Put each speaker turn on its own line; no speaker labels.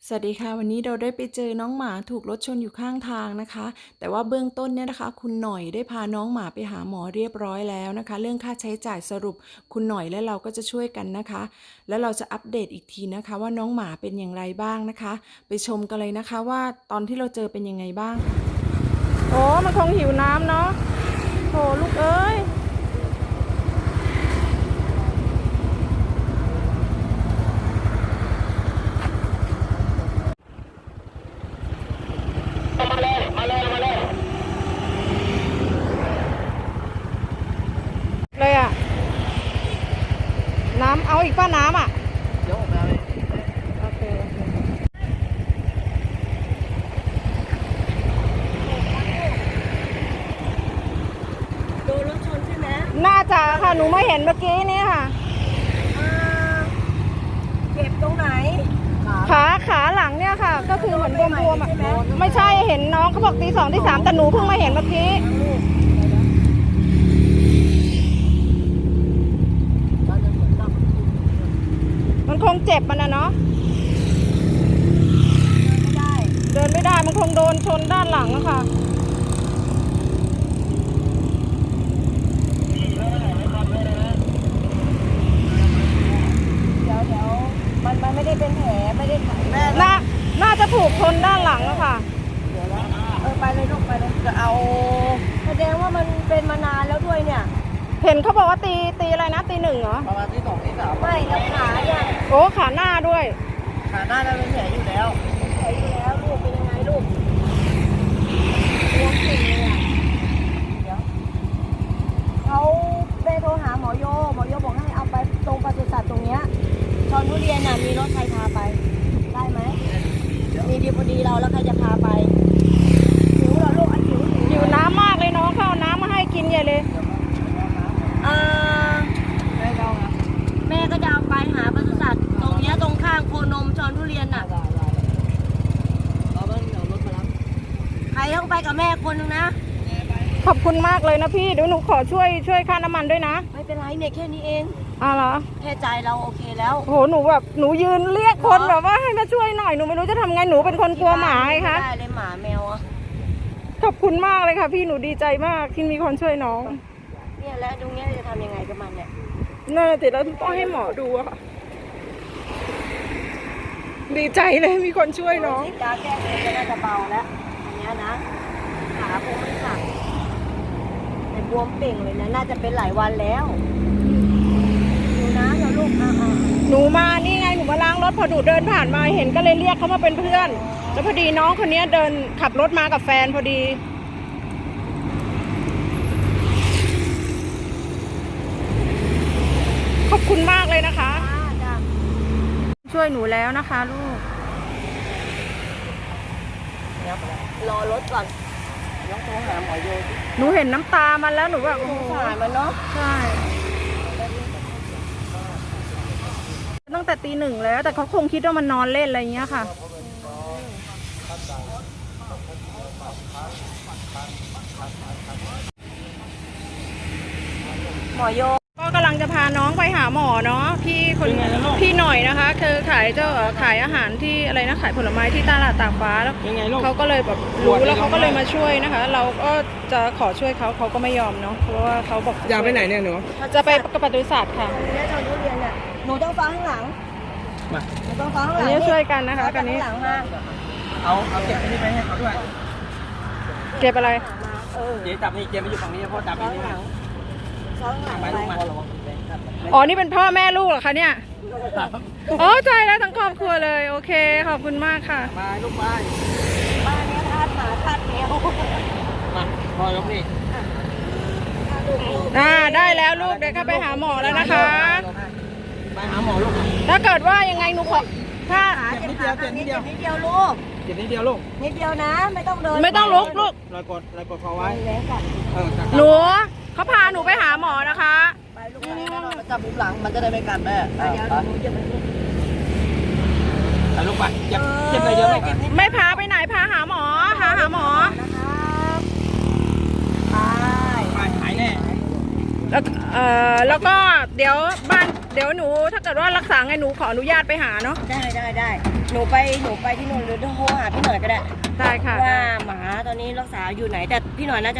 สวัสดีค่ะวันนี้เราได้ไปเจอน้องหมาถูกรถชนอยู่ข้างทางนะคะแต่ว่าเบื้องต้นเนี่ยนะคะคุณหน่อยได้พาน้องหมาไปหาหมอเรียบร้อยแล้วนะคะเรื่องค่าใช้จ่ายสรุปคุณหน่อยและเราก็จะช่วยกันนะคะแล้วเราจะอัปเดตอีกทีนะคะว่าน้องหมาเป็นอย่างไรบ้างนะคะไปชมกันเลยนะคะว่าตอนที่เราเจอเป็นยังไงบ้างโอ้มันคงหิวน้ำเนาะโถลูกเอ้ยเลยอะน้ำเอาอีกป้าน้ำอ่ะเดี๋ยวออกมาเลยโอเค
โดนรถชนใช่ไหม
น่าจะค่ะหนูไม่เห็นเมื่อกี้นี้ค่ะ
เจ็บตรงไหน
ขาหลังเนี่ยค่ะก็คือเหมือนบวมๆอ่ะไม่ใช่เห็นน้องเขาบอกตี 2 ตี 3แต่หนูเพิ่งมาเห็นเมื่อกี้มันคงเจ็บมันนะเนาะเดินไม่ได้มันคงโดนชนด้านหลังอะค่ะ
เดี๋ยวมันไม่ได้เป็นแผลไม่ได้ถ่ายแม่
น่าจะถูกชนด้านหลังอะค่ะ
เดี๋ยวนะไปเลยลูกไปเลยจะเอาแสดงว่ามันเป็นมานานแล้วด้วยเนี่ย
เห็นเขาบอกว่าตีอะไรนะตี 1เหรอ
ประมาณที่2ที่3ไม่แล้วขาเนี่ย
โอ้ขาหน้าด้วย
ขาหน้าแล้วเป็นแผลอยู่แล้วแผลอยู่แล้วลูกเป็นยังไงลูกบวมจริงเลยอ่ะเดี๋ยวเขาได้โทรหาหมอโยบอกให้เอาไปตรงปศุสัตว์ตรงเนี้ยชนทุเรียนน่ะมีรถใครพาไปได้ไหมมีดีพอดีเราแล้วใครจะพาไปหิวเหรอลูก
หิวน้ำมากเลยน้องเขาเอาน้ำมาให้กินใหญ่เลย
แม่ก็จะเอาไปหาปศุสัตว์ตรงเนี้ยตรงข้างโคนมชนทุเรียนน่ะใครต้องไปกับแม่คนนึงนะ
ขอบคุณมากเลยนะพี่เดี๋ยวหนูขอช่วยค่าน้ำมันด้วยนะ
ไม่เป็นไรเนี่ยแค่นี้เอง
เหรอ
แค่ใจเราโอเคแล้ว
โหหนูยืนเรียกคนแบบว่าให้มาช่วยหน่อยหนูไม่รู้จะทำไงหนูเป็นคนกลัวหมาไงคะ
ได้เลยหมาแมวอ่ะ
ขอบคุณมากเลยค่ะพี่หนูดีใจมากที่มีคนช่วยน้อง
เนี่ยแล้วตรงนี้จะทำยังไงกับมันเนี่ย
น่าจะแล้วต้องให้หมอดูอะค่ะดีใจเลยมีคนช่วยน้อง
ยาแก้ปวดก็น่าจะเบาแล้วอันนี้นะขาคงไม่สั่นแต่บวมเป่งเลยนะน่าจะเป็นหลายวันแล้วดูนะเดี๋ยวลูก
หนูมานี่ไงหนูมาล้างรถพอหนูเดินผ่านมาเห็นก็เลยเรียกเขามาเป็นเพื่อนแล้วพอดีน้องคนนี้เดินขับรถมากับแฟนพอดีขอบคุณมากเลยนะคะช่วยหนูแล้วนะคะลูก
รอรถก่อนต้องโทรหาหมอโย
หนูเห็นน้ำตามันแล้วหนูแบบโอ้โห
สายมันเนาะ
ใช่ตั้งแต่ตี 1แล้วแต่เขาคงคิดว่ามันนอนเล่นอะไรอย่างเงี้ยค่ะ
หมอโย
ก็กำลังจะพาน้องไปหาหมอเนาะพี่หน่อยนะคะคือขายอาหารที่อะไรนะขายผลไม้ที่ตลาดตากฟ้าแล้วเขาก็เลยแบบรู้แล้วเขาก็เลยมาช่วยนะคะเราก็จะขอช่วยเขาก็ไม่ยอมเนาะเพราะว่าเขาบอก
จะไปไหนเนี่ยหนู
จะไปปศุสัตว์ค่ะ
เนี่ยตอนทุเรียนเนี่ยหนูต้องฟังข้างหลังหนูต้องฟังข้างหลัง
นี่ช่วยกันนะคะกันนี้
เอาเก็บไปนี่ไปให้เขาด้วย
เก็บอะไร
เดี๋ยวจับนี่เก็บไปอยู่ฝั่งนี้เพราะจับนี่
ไปลงมา
อ๋อนี่เป็นพ่อแม่ลูกเหรอคะเนี่ยอ๋อใจแล้วทั้งครอบครัวเลยโอเคขอบคุณมากค่ะ
มาลูกไป
บ้านนี้ทาสหมาทาสแมว
มาพ่อยกนี่
ได้แล้วลูกเดี๋ยวเข้าไปหาหมอแล้วนะคะ
ไปหาหมอลูก
ถ้าเกิดว่ายังไงหนูขอถ้า
เจ็บนิดเดียวลูก
เจ็บนิดเดียวลูก
นิดเดียวนะไม่ต้องเดิน
ไม่ต้องลุกลูก
รอยกดคอไว้
หนูเขาพาหนูไปหาหมอนะคะ
ไปลูกไปจับบุ้งหลังมันจะได้ไม่กัดแม่เดี๋ยวหนูจะไป
ลูกไปเจ็บเลยเยอะเลย
ไม่พาไปไหนพาหาหมอหาหมอ
ไป
หายแน่
แล้วก็เดี๋ยวหนูถ้าเกิดว่ารักษาไงหนูขออนุญาตไปหาเนาะ
ได้หนูไปที่นู่นหรือโทรหาพี่หน่อยก็ได้
ได้ค่ะ
ว่าหมาตอนนี้รักษาอยู่ไหนแต่พี่หน่อยน่าจะ